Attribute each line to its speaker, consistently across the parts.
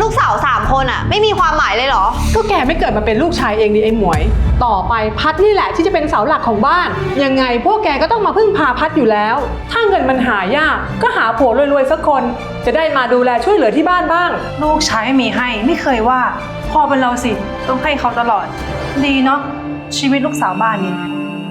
Speaker 1: ลูกสาว3 คนอ่ะไม่มีความหมายเลยเหรอ
Speaker 2: ก็แกไม่เกิดมาเป็นลูกชายเองดิไอ้หมวยต่อไปพัดนี่แหละที่จะเป็นเสาหลักของบ้านยังไงพวกแกก็ต้องมาพึ่งพาพัดอยู่แล้วถ้าเงินมันหายากก็หาผัวรวยๆสักคนจะได้มาดูแลช่วยเหลือที่บ้านบ้าง
Speaker 3: ลูกชายไม่มีให้ไม่เคยว่าพอเป็นเราสิต้องให้เขาตลอดดีเนาะชีวิตลูกสาวบ้านนี้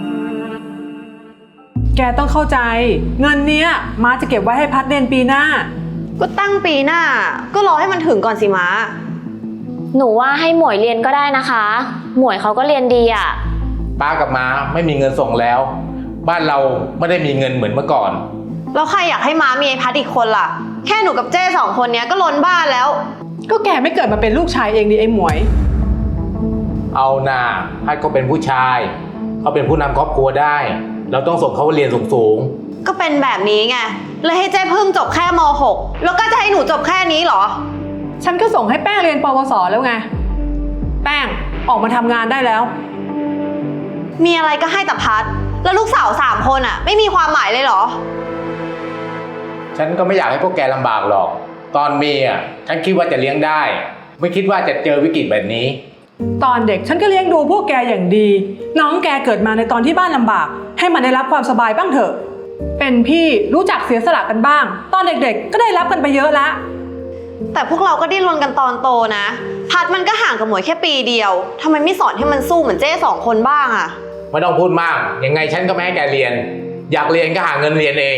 Speaker 2: แกต้องเข้าใจเงินเนี้ยม้าจะเก็บไว้ให้พัดเรียนปีหน้า
Speaker 1: ก็ตั้งปีหน้าก็รอให้มันถึงก่อนสิม้า
Speaker 4: หนูว่าให้หมวยเรียนก็ได้นะคะหมวยเขาก็เรียนดีอ่ะ
Speaker 5: ป้ากับม้าไม่มีเงินส่งแล้วบ้านเราไม่ได้มีเงินเหมือนเมื่อก่อน
Speaker 1: แล้วใครอยากให้ม้ามีไอ้พัดอีกคนล่ะแค่หนูกับเจ้2 คนเนี้ยก็ล้นบ้านแล้ว
Speaker 2: ก็แกไม่เกิดมาเป็นลูกชายเองดิไอ้หมวย
Speaker 5: เอาหน้าพัดก็เป็นผู้ชายเขาเป็นผู้นำครอบครัวได้เราต้องส่งเขาเรียนสูง
Speaker 1: ๆก็เป็นแบบนี้ไงเลยให้เจ้พึ่งจบแค่ม.6 แล้วก็จะให้หนูจบแค่นี้เหรอ
Speaker 2: ฉันก็ส่งให้แป้งเรียนปวสแล้วไงแป้งออกมาทำงานได้แล้ว
Speaker 1: มีอะไรก็ให้แต่พัดแล้วลูกสาว3 คนอ่ะไม่มีความหมายเลยเหรอ
Speaker 5: ฉันก็ไม่อยากให้พวกแกลำบากหรอกตอนมีอ่ะฉันคิดว่าจะเลี้ยงได้ไม่คิดว่าจะเจอวิกฤตแบบนี้
Speaker 2: ตอนเด็กฉันก็เลี้ยงดูพวกแกอย่างดีน้องแกเกิดมาในตอนที่บ้านลำบากให้มันได้รับความสบายบ้างเถอะเป็นพี่รู้จักเสียสละกันบ้างตอนเด็กๆก็ได้รับกันไปเยอะแล้ว
Speaker 1: แต่พวกเราก็ดิ้นรนกันตอนโตนะพัดมันก็ห่างกับหมวยแค่ปีเดียวทำไมไม่สอนให้มันสู้เหมือนเจ้2 คนบ้างอะ
Speaker 5: ไม่ต้องพูดมากยังไงฉันก็ไม่ให้แกเรียนอยากเรียนก็หาเงินเรียนเอง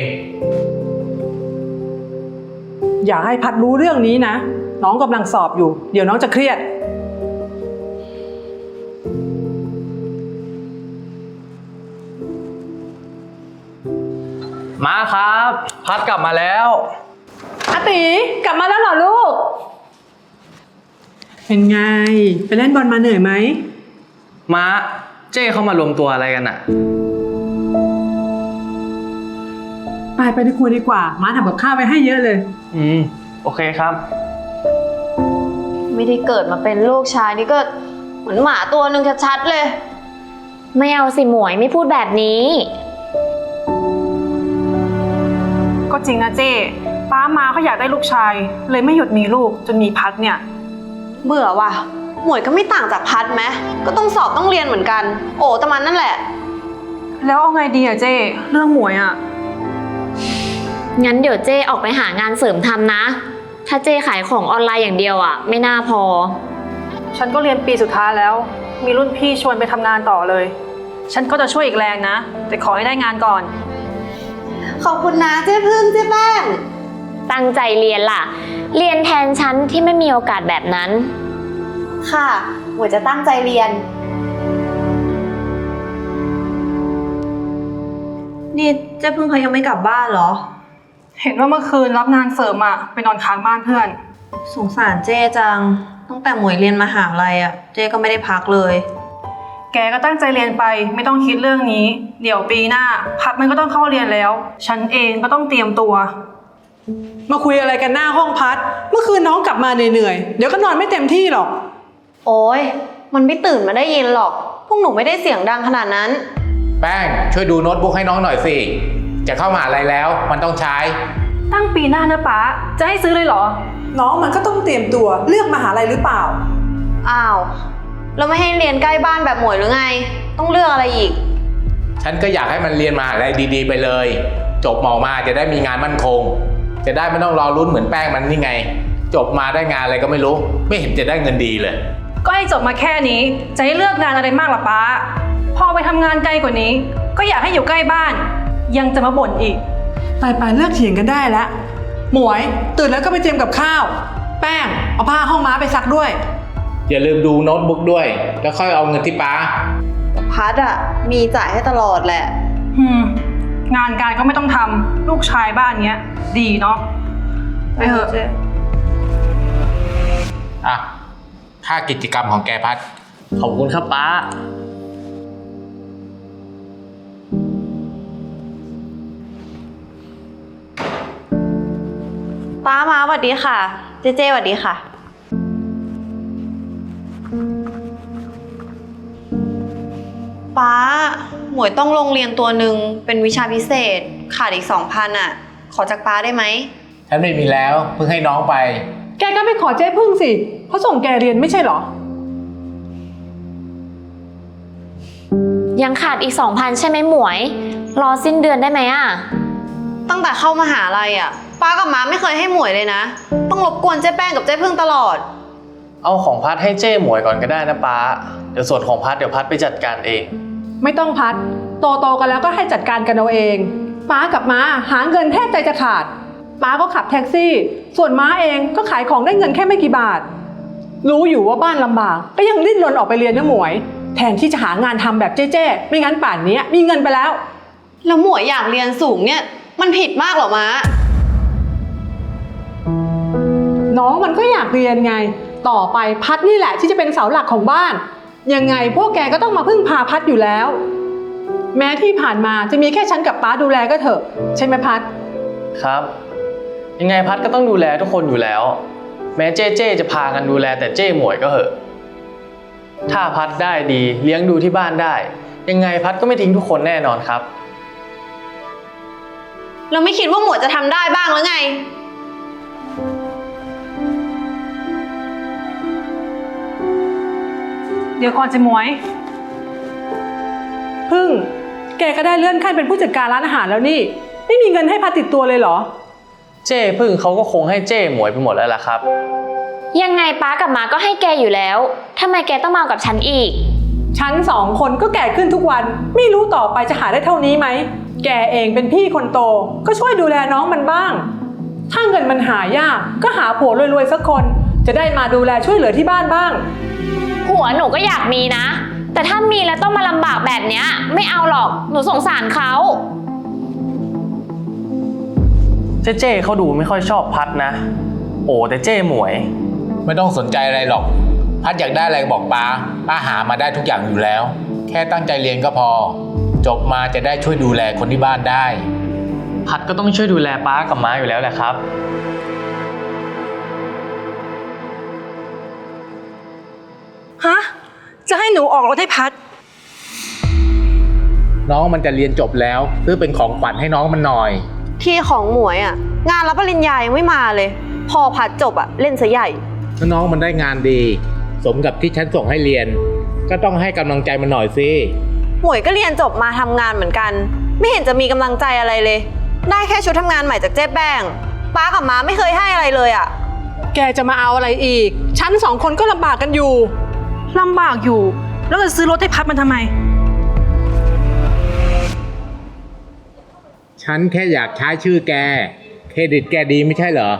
Speaker 2: อย่าให้พัดรู้เรื่องนี้นะน้องกำลังสอบอยู่เดี๋ยวน้องจะเครียด
Speaker 6: มาครับพัดกลับมาแล้ว
Speaker 2: อาติกลับมาแล้วเหรอลูกเป็นไงไปเล่นบอลมาเหนื่อยไหม
Speaker 6: ม้าเจ้เข้ามารวมตัวอะไรกันอะ
Speaker 2: ไปในครัวดีกว่าม้าทำกับข้าวไว้ให้เยอะเลย
Speaker 6: โอเคครับ
Speaker 1: ไม่ได้เกิดมาเป็นลูกชายนี่ก็เหมือนหมาตัวหนึ่งชัดๆเลย
Speaker 4: ไม่เอาสิหมวยไม่พูดแบบนี้
Speaker 3: ก็จริงนะเจ้ป้ามาเขาอยากได้ลูกชายเลยไม่หยุดมีลูกจนมีพัดเนี่ย
Speaker 1: เบื่อว่ะหมวยก็ไม่ต่างจากพัดไหมก็ต้องสอบต้องเรียนเหมือนกันโอ้แต่มันนั่นแหละ
Speaker 3: แล้วเอาไงดีอะเจ้เรื่องหมวยอะ
Speaker 4: งั้นเดี๋ยวเจ้ออกไปหางานเสริมทำนะถ้าเจ้ขายของออนไลน์อย่างเดียวอะไม่น่าพอ
Speaker 3: ฉันก็เรียนปีสุดท้ายแล้วมีรุ่นพี่ชวนไปทำงานต่อเลยฉันก็จะช่วยอีกแรงนะแต่ขอให้ได้งานก่อน
Speaker 1: ขอบคุณนะเจ้พึ่งเจ้แป้ง
Speaker 4: ตั้งใจเรียนล่ะเรียนแทนฉันที่ไม่มีโอกาสแบบนั้น
Speaker 1: ค่ะหมวยจะตั้งใจเรียนนี่เจ้พึ่งเขายังไม่กลับบ้านเหรอ
Speaker 3: เห็นว่าเมื่อคืนรับงานเสริมอะไปนอนค้างบ้านเพื่อน
Speaker 1: สงสารเจ้จังตั้งแต่หมวยเรียนมหาลัยอะเจ้ก็ไม่ได้พักเลย
Speaker 3: แกก็ตั้งใจเรียนไปไม่ต้องคิดเรื่องนี้เดี๋ยวปีหน้าพัดมันก็ต้องเข้าเรียนแล้วฉันเองก็ต้องเตรียมตัว
Speaker 2: มาคุยอะไรกันหน้าห้องพัดเมื่อคืนน้องกลับมาเหนื่อยเดี๋ยวก็นอนไม่เต็มที่หรอก
Speaker 1: โอ้ยมันไม่ตื่นมาได้ยินหรอกพวกหนูไม่ได้เสียงดังขนาดนั้น
Speaker 5: แป้งช่วยดูโน้ตบุ๊กให้น้องหน่อยสิจะเข้ามหาลัยแล้วมันต้องใช้
Speaker 3: ตั้งปีหน้านะป๊าจะให้ซื้อเลยเหรอ
Speaker 2: น้องมันก็ต้องเตรียมตัวเลือกมหาลัยหรือเปล่า
Speaker 1: อ้าวเราไม่ให้เรียนใกล้บ้านแบบหมวยหรือไงต้องเลือกอะไรอีก
Speaker 5: ฉันก็อยากให้มันเรียนมหาลัยดีๆไปเลยจบหมอมาจะได้มีงานมั่นคงจะได้ไม่ต้องรอลุ้นเหมือนแป้งมันนี่ไงจบมาได้งานอะไรก็ไม่รู้ไม่เห็นจะได้เงินดีเลย
Speaker 3: ก็ให้จบมาแค่นี้จะให้เลือกงานอะไรมากล่ะป๊าพอไปทำงานไกลกว่านี้ก็อยากให้อยู่ใกล้บ้านยังจะมาบ่นอีก
Speaker 2: ไปเลิกเถียงกันได้แล้วหมวยตื่นแล้วก็ไปเตรียมกับข้าวแป้งเอาผ้าห้องม้าไปซักด้วย
Speaker 5: อย่าลืมดูโน้ตบุ๊กด้วยแล้วค่อยเอาเงินที่ป้า
Speaker 1: พัดอะมีจ่ายให้ตลอดแหละ
Speaker 3: งานการก็ไม่ต้องทำลูกชายบ้านเนี้ยดีเนาะไปเถอะ
Speaker 5: ค่ากิจกรรมของแกพัด
Speaker 6: ขอบคุณครับป้า
Speaker 1: ป้ามาสวัสดีค่ะเจ๊สวัสดีค่ะป้าหมวยต้องลงเรียนตัวหนึ่งเป็นวิชาพิเศษขาดอีก 2,000 อ่ะขอจากป้าได้ไหม
Speaker 5: ฉันไม่มีแล้วเพิ่งให้น้องไป
Speaker 2: แกก็ไม่ขอเจ๊พึ่งสิเขาส่งแกเรียนไม่ใช่เหรอ
Speaker 4: ยังขาดอีก 2,000 ใช่ไหมหมวย รอสิ้นเดือนได้ไหมอะ
Speaker 1: ตั้งแต่เข้ามหาลัยอ่ะป้ากับม้าไม่เคยให้หมวยเลยนะ ต้องรบกวนเจ๊แป้งกับเจ๊พึ่งตลอด
Speaker 6: เอาของพัดให้เจ้หมวยก่อนก็ได้นะป้า เดี๋ยวส่วนของพัดเดี๋ยวพัดไปจัดการเอง
Speaker 2: ไม่ต้องพัดโตกันแล้วก็ให้จัดการกันเอาเองป้ากับม้าหาเงินแทบใจจะขาดป้าก็ขับแท็กซี่ ส่วนม้าเองก็ขายของได้เงินแค่ไม่กี่บาท รู้อยู่ว่าบ้านลำบากก็ยังดิ้นรนออกไปเรียนนะหมวย แทนที่จะหางานทำแบบเจ๊ๆไม่งั้นป่านนี้มีเงินไปแล้ว
Speaker 1: แล้วหมวยอยากเรียนสูงเนี่ยมันผิดมากเหรอม้า
Speaker 2: น้องมันก็อยากเรียนไง ต่อไปพัดนี่แหละที่จะเป็นเสาหลักของบ้าน ยังไงพวกแกก็ต้องมาพึ่งพาพัดอยู่แล้ว แม้ที่ผ่านมาจะมีแค่ฉันกับป้าดูแลก็เถอะใช่ไหมพัด
Speaker 6: ครับ ยังไงพัดก็ต้องดูแลทุกคนอยู่แล้ว แม้เจ้จะพากันดูแลแต่เจ้หมวยก็เหอะ ถ้าพัดได้ดีเลี้ยงดูที่บ้านได้ ยังไงพัดก็ไม่ทิ้งทุกคนแน่นอนครับ
Speaker 1: เราไม่คิดว่าหมวยจะทำได้บ้างหรือไง
Speaker 3: เดี๋ยวก่อนเจ๊หมวย
Speaker 2: พึ่ง แกก็ได้เลื่อนขั้นเป็นผู้จัดการร้านอาหารแล้วนี่ ไม่มีเงินให้พัดติดตัวเลยเหรอ
Speaker 6: เจ้พึ่งเขาก็คงให้เจ้หมวยไปหมดแล้วล่ะครับ
Speaker 4: ยังไงป้ากับม้าก็ให้แกอยู่แล้วทำไมแกต้องมากับฉันอีก
Speaker 2: ฉัน2 คนก็แก่ขึ้นทุกวัน ไม่รู้ต่อไปจะหาได้เท่านี้ไหม แกเองเป็นพี่คนโตก็ช่วยดูแลน้องมันบ้าง ถ้าเงินมันหายากก็หาผัวรวยๆสักคน จะได้มาดูแลช่วยเหลือที่บ้านบ้าง
Speaker 4: ผัวหนูก็อยากมีนะ แต่ถ้ามีแล้วต้องมาลำบากแบบเนี้ยไม่เอาหรอกหนูสงสารเขา
Speaker 6: เจ้เขาดูไม่ค่อยชอบพัดนะ โอ้แต่เจ้หมวย
Speaker 5: ไม่ต้องสนใจอะไรหรอก พัดอยากได้อะไรบอกป้าหามาได้ทุกอย่างอยู่แล้ว แค่ตั้งใจเรียนก็พอ จบมาจะได้ช่วยดูแลคนที่บ้านได้
Speaker 6: พัดก็ต้องช่วยดูแลป้ากับม้าอยู่แล้วแหละครับ
Speaker 3: ฮะ จะให้หนูออกรถให้พัด
Speaker 5: น้องมันจะเรียนจบแล้วซื้อเป็นของขวัญให้น้องมันหน่อย
Speaker 1: ที่ของหมวยอ่ะงานรับปริญญายังไม่มาเลย พอพัดจบอ่ะเล่นซะใหญ่
Speaker 5: ถ้าน้องมันได้งานดี สมกับที่ฉันส่งให้เรียน ก็ต้องให้กำลังใจมันหน่อยสิ
Speaker 1: หมวยก็เรียนจบมาทำงานเหมือนกัน ไม่เห็นจะมีกำลังใจอะไรเลย ได้แค่ชุดทำงานใหม่จากเจ๊แป้งป้ากับม้าไม่เคยให้อะไรเลยอ่ะ
Speaker 2: แกจะมาเอาอะไรอีก ฉัน2 คนก็ลำบากกันอยู่
Speaker 3: ลำบากอยู่ แล้วจะซื้อรถให้พัดมันทำไม
Speaker 5: ฉันแค่อยากใช้ชื่อแก เครดิตแกดีไม่ใช่เหรอ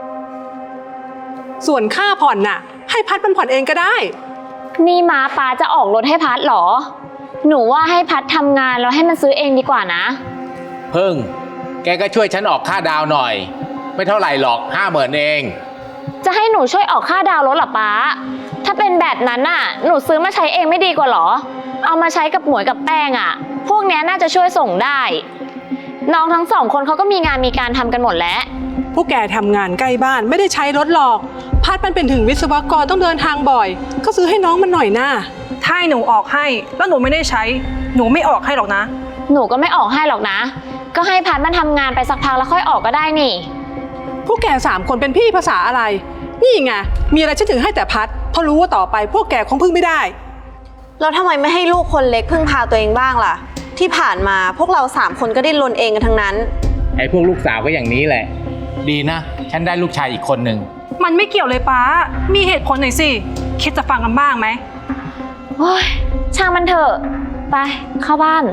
Speaker 2: ส่วนค่าผ่อนน่ะ ให้พัดมันผ่อนเองก็ได้
Speaker 4: นี่ม้าป้าจะออกรถให้พัดเหรอ หนูว่าให้พัดทำงานแล้วให้มันซื้อเองดีกว่านะ
Speaker 5: เพิ่ง แกก็ช่วยฉันออกค่าดาวหน่อย ไม่เท่าไหร่หรอก50,000เอง
Speaker 4: จะให้หนูช่วยออกค่าดาวน์รถเหรอป้า ถ้าเป็นแบบนั้นน่ะ หนูซื้อมาใช้เองไม่ดีกว่าเหรอ เอามาใช้กับหมวยกับแป้งอ่ะ พวกเนี้ยน่าจะช่วยส่งได้ น้องทั้ง2 คนเขาก็มีงานมีการทำกันหมดแล้ว
Speaker 2: พวกแกทำงานใกล้บ้านไม่ได้ใช้รถหรอก พัดมันเป็นถึงวิศวกรต้องเดินทางบ่อย ก็ซื้อให้น้องมันหน่อยนะ
Speaker 3: ถ้าให้หนูออกให้ แล้วหนูไม่ได้ใช้ หนูไม่ออกให้หรอกนะ
Speaker 4: หนูก็ไม่ออกให้หรอกนะ ก็ให้พัดมันทำงานไปสักพักแล้วค่อยออกก็ได้นี่
Speaker 2: พวกแก3 คนเป็นพี่ภาษาอะไร นี่ไง มีอะไรฉันถึงให้แต่พัด เพราะรู้ว่าต่อไปพวกแกคงพึ่งไม่ได้
Speaker 1: แล้วทำไมไม่ให้ลูกคนเล็กพึ่งพาตัวเองบ้างล่ะ ที่ผ่านมาพวกเรา3 คนก็ดิ้นรนเองกันทั้งนั้น
Speaker 5: ไอ้พวกลูกสาวก็อย่างนี้แหละ ดีนะ ฉันได้ลูกชายอีกคนหนึ่ง
Speaker 3: มันไม่เกี่ยวเลยป้า มีเหตุผลหน่อยสิ คิดจะฟังกันบ้างไหม
Speaker 4: โอ้ยช่างมันเถอะ ไปเข้าบ้าน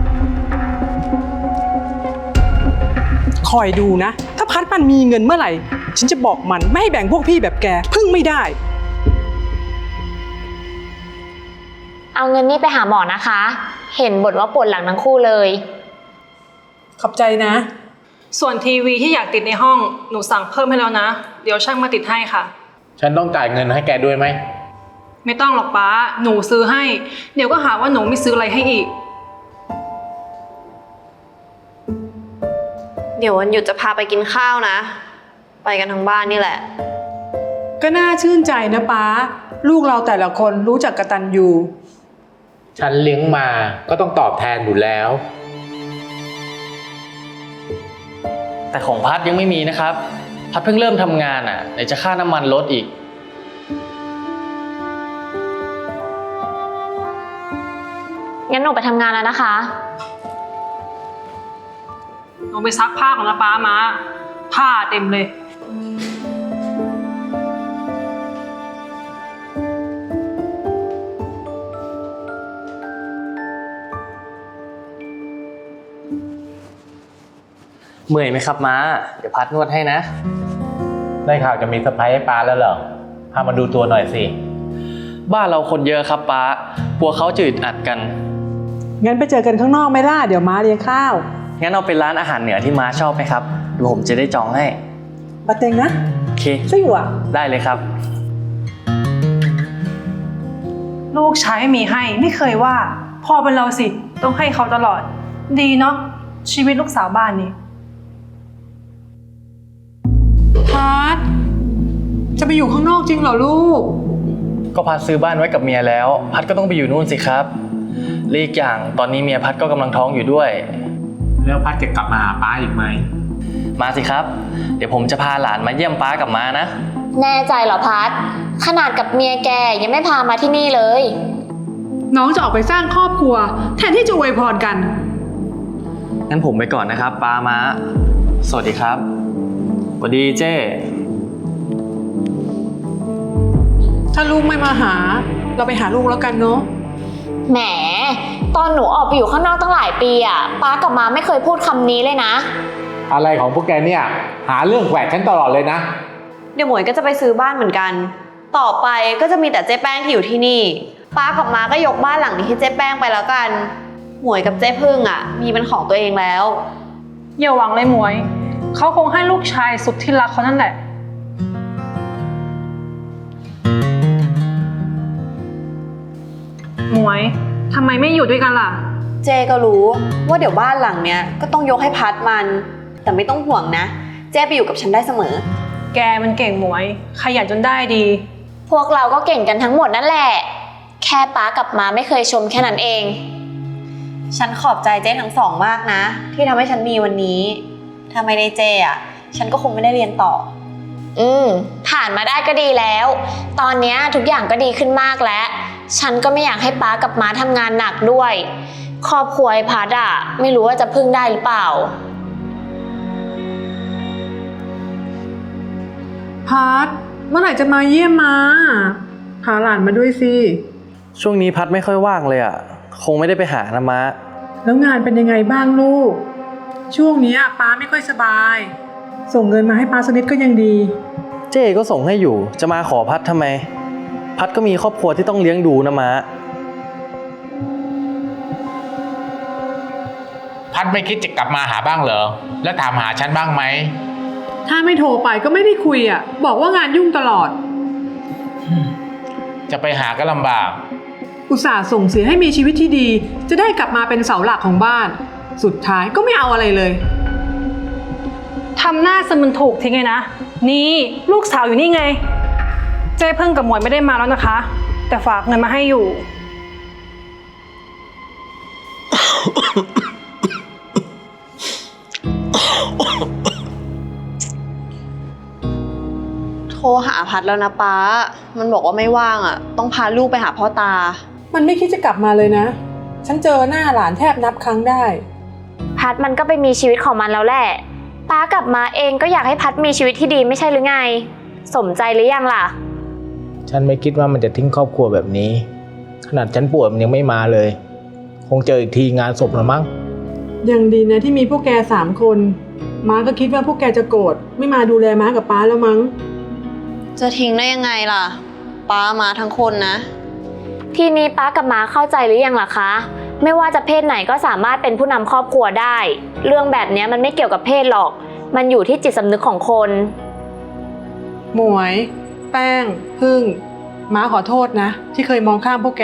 Speaker 2: คอยดูนะ ถ้าพัดมันมีเงินเมื่อไหร่ ฉันจะบอกมันไม่ให้แบ่งพวกพี่แบบแก พึ่งไม่ได้
Speaker 4: เอาเงินนี่ไปหาหมอนะคะ เห็นบ่นว่าปวดหลังทั้งคู่เลย
Speaker 2: ขอบใจนะ
Speaker 3: ส่วนทีวีที่อยากติดในห้อง หนูสั่งเพิ่มให้แล้วนะ เดี๋ยวช่างมาติดให้ค่ะ
Speaker 5: ฉันต้องจ่ายเงินให้แกด้วยไหม
Speaker 3: ไม่ต้องหรอกป้า หนูซื้อให้ เดี๋ยวก็หาว่าหนูไม่ซื้ออะไรให้อีก
Speaker 1: เดี๋ยววันหยุดจะพาไปกินข้าวนะ ไปกันทั้งบ้านนี่แหละ
Speaker 2: ก็น่าชื่นใจนะป๊า ลูกเราแต่ละคนรู้จักกตัญญู
Speaker 5: ฉันเลี้ยงมาก็ต้องตอบแทนอยู่แล้ว
Speaker 6: แต่ของพัดยังไม่มีนะครับพัดเพิ่งเริ่มทำงานไหนจะค่าน้ำมันลดอีก
Speaker 4: งั้นหนูไปทำงานแล้วนะคะ
Speaker 3: ลงไปซักผ้าของนะป้ามาผ้าเต็มเลย
Speaker 6: เมื่อยไหมครับม้า เดี๋ยวพัดนวดให้นะ
Speaker 5: ได้ข่าวจะมีเซอร์ไพรส์ให้ป้าแล้วเหรอ พามาดูตัวหน่อยสิ
Speaker 6: บ้านเราคนเยอะครับป้ากลัวเขาจะอึดอัดกัน
Speaker 2: งั้นไปเจอกันข้างนอกไหมล่ะ เดี๋ยวม้าเลี้ยงข้าว
Speaker 6: งั้นเอาเป็นร้านอาหารเหนือที่ม้าชอบไหมครับเดี๋ยวผมจะได้จองให้
Speaker 2: ปาเต็งนะ
Speaker 6: โอเค
Speaker 2: ไส้อั่ว
Speaker 6: ได้เลยครับ
Speaker 3: ลูกชายไม่มีให้ไม่เคยว่าพ่อเป็นเราสิต้องให้เขาตลอด ดีเนาะชีวิตลูกสาวบ้านนี้
Speaker 2: พัดจะไปอยู่ข้างนอกจริงเหรอลูก
Speaker 6: ก็พัดซื้อบ้านไว้กับเมียแล้ว พัดก็ต้องไปอยู่นู่นสิครับและอีกอย่างตอนนี้เมียพัดก็กำลังท้องอยู่ด้วย
Speaker 5: แล้วพัดจะกลับมาหาป้าอีกไหม
Speaker 6: มาสิครับ เดี๋ยวผมจะพาหลานมาเยี่ยมป้ากับม้านะ
Speaker 4: แน่ใจเหรอพัด ขนาดกับเมียแกยังไม่พามาที่นี่เลย
Speaker 2: น้องจะออกไปสร้างครอบครัว แทนที่จะอวยพรกัน
Speaker 6: งั้นผมไปก่อนนะครับป้าม้า สวัสดีครับสวัสดีเจ้
Speaker 2: ถ้าลูกไม่มาหา เราไปหาลูกแล้วกันเนาะ
Speaker 4: แหม ตอนหนูออกไปอยู่ข้างนอกตั้งหลายปีป้ากับมาไม่เคยพูดคำนี้เลยนะ
Speaker 5: อะไรของพวกแกเนี่ย หาเรื่องแขวะฉันตลอดเลยนะ
Speaker 1: เดี๋ยวหมวยก็จะไปซื้อบ้านเหมือนกัน ต่อไปก็จะมีแต่เจ๊แป้งที่อยู่ที่นี่ ป้ากับม้าก็ยกบ้านหลังนี้ให้เจ๊แป้งไปแล้วกัน หมวยกับเจ๊พึ่งมีเป็นของตัวเองแล้ว
Speaker 3: อย่าหวังเลยหมวยเขาคงให้ลูกชายสุดที่รักเขานั่นแหละหมวยทำไมไม่อยู่ด้วยกันล่ะ
Speaker 1: เจก็รู้ว่าเดี๋ยวบ้านหลังเนี้ยก็ต้องยกให้พัดมัน แต่ไม่ต้องห่วงนะ เจ๊ไปอยู่กับฉันได้เสมอ
Speaker 3: แกมันเก่งหมวยขยันจนได้ดี
Speaker 4: พวกเราก็เก่งกันทั้งหมดนั่นแหละ แค่ป้ากับมาไม่เคยชมแค่นั้นเอง
Speaker 1: ฉันขอบใจเจ๊ทั้งสองมากนะ ที่ทำให้ฉันมีวันนี้ ถ้าไม่ได้เจ๊ฉันก็คงไม่ได้เรียนต่อ
Speaker 4: ผ่านมาได้ก็ดีแล้ว ตอนนี้ทุกอย่างก็ดีขึ้นมากแล้ว ฉันก็ไม่อยากให้ป้ากับม้าทำงานหนักด้วย ครอบครัวไอ้พัดไม่รู้ว่าจะพึ่งได้หรือเปล่า
Speaker 2: พัดเมื่อไหร่จะมาเยี่ยมมาพาหลานมาด้วยสิ
Speaker 6: ช่วงนี้พัดไม่ค่อยว่างเลยคงไม่ได้ไปหานะม้า
Speaker 2: แล้วงานเป็นยังไงบ้างลูก ช่วงนี้ป้าไม่ค่อยสบาย ส่งเงินมาให้ป้าสักนิดก็ยังดี
Speaker 6: เจ้ก็ส่งให้อยู่จะมาขอพัดทำไม พัดก็มีครอบครัวที่ต้องเลี้ยงดูนะม้า
Speaker 5: พัดไม่คิดจะกลับมาหาบ้างเหรอ แล้วถามหาฉันบ้างไหม
Speaker 2: ถ้าไม่โทรไปก็ไม่ได้คุยบอกว่างานยุ่งตลอด
Speaker 5: จะไปหาก็ลำบาก
Speaker 2: อุตส่าห์ส่งเสียให้มีชีวิตที่ดี จะได้กลับมาเป็นเสาหลักของบ้าน สุดท้ายก็ไม่เอาอะไรเลย
Speaker 3: ทำหน้าสมึนถูกทิ้งไงนะ นี่ลูกสาวอยู่นี่ไง เจ๊เพิ่งกับหมวยไม่ได้มาแล้วนะคะ แต่ฝากเงินมาให้อยู่
Speaker 1: โทรหาพัดแล้วนะป้า มันบอกว่าไม่ว่างต้องพาลูกไปหาพ่อตา
Speaker 2: มันไม่คิดจะกลับมาเลยนะ ฉันเจอหน้าหลานแทบนับครั้งได้
Speaker 4: พัดมันก็ไปมีชีวิตของมันแล้วแหละป้ากับมาเองก็อยากให้พัดมีชีวิตที่ดีไม่ใช่หรือไง สมใจหรือยังล่ะ
Speaker 5: ฉันไม่คิดว่ามันจะทิ้งครอบครัวแบบนี้ ขนาดฉันป่วยมันยังไม่มาเลย คงเจออีกทีงานศพแล้วมั้ง
Speaker 2: ยังดีนะที่มีพวกแก3 คน ม้าก็คิดว่าพวกแกจะโกรธไม่มาดูแลม้ากับป้าแล้วมั้ง
Speaker 1: จะทิ้งได้ยังไงล่ะ ป้ามาทั้งคนนะ
Speaker 4: ทีนี้ป้ากับม้าเข้าใจหรือยังล่ะคะ ไม่ว่าจะเพศไหนก็สามารถเป็นผู้นำครอบครัวได้ เรื่องแบบนี้มันไม่เกี่ยวกับเพศหรอก มันอยู่ที่จิตสำนึกของคน
Speaker 2: หมวย แป้ง พึ่ง ม้าขอโทษนะ ที่เคยมองข้ามพวกแก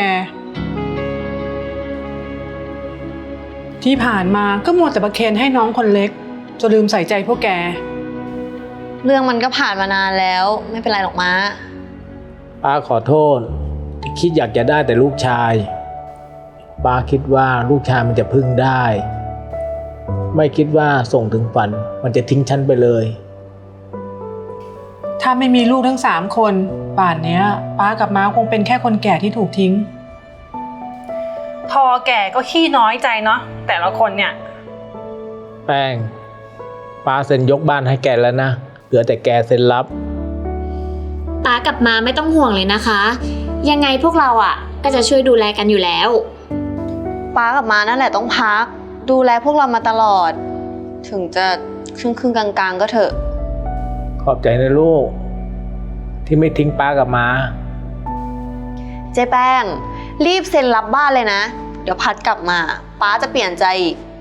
Speaker 2: ที่ผ่านมาก็มัวแต่ประเคนให้น้องคนเล็กจนลืมใส่ใจพวกแก
Speaker 1: เรื่องมันก็ผ่านมานานแล้ว ไม่เป็นไรหรอกม้า
Speaker 5: ป้าขอโทษที่คิดอยากจะได้แต่ลูกชาย ป้าคิดว่าลูกชายมันจะพึ่งได้ ไม่คิดว่าส่งถึงฝันมันจะทิ้งฉันไปเลย
Speaker 2: ถ้าไม่มีลูกทั้ง3 คน ป่านเนี้ยป้ากับม้าคงเป็นแค่คนแก่ที่ถูกทิ้ง
Speaker 3: พอแก่ก็ขี้น้อยใจเนาะแต่ละคนเนี่ย
Speaker 5: แป้งป้าเซ็นยกบ้านให้แกแล้วนะ เหลือแต่แกเซ็นรับ
Speaker 4: ป้ากับมาไม่ต้องห่วงเลยนะคะ ยังไงพวกเราอ่ะก็จะช่วยดูแลกันอยู่แล้ว
Speaker 1: ป้ากับมานั่นแหละต้องพัก ดูแลพวกเรามาตลอด ถึงจะครึ่งกลางๆก็เถอะ
Speaker 5: ขอบใจนะลูก ที่ไม่ทิ้งป้ากับมา
Speaker 1: เจ๊แป้ง รีบเซ็นรับบ้านเลยนะ เดี๋ยวพัดกลับมา ป้าจะเปลี่ยนใจอีก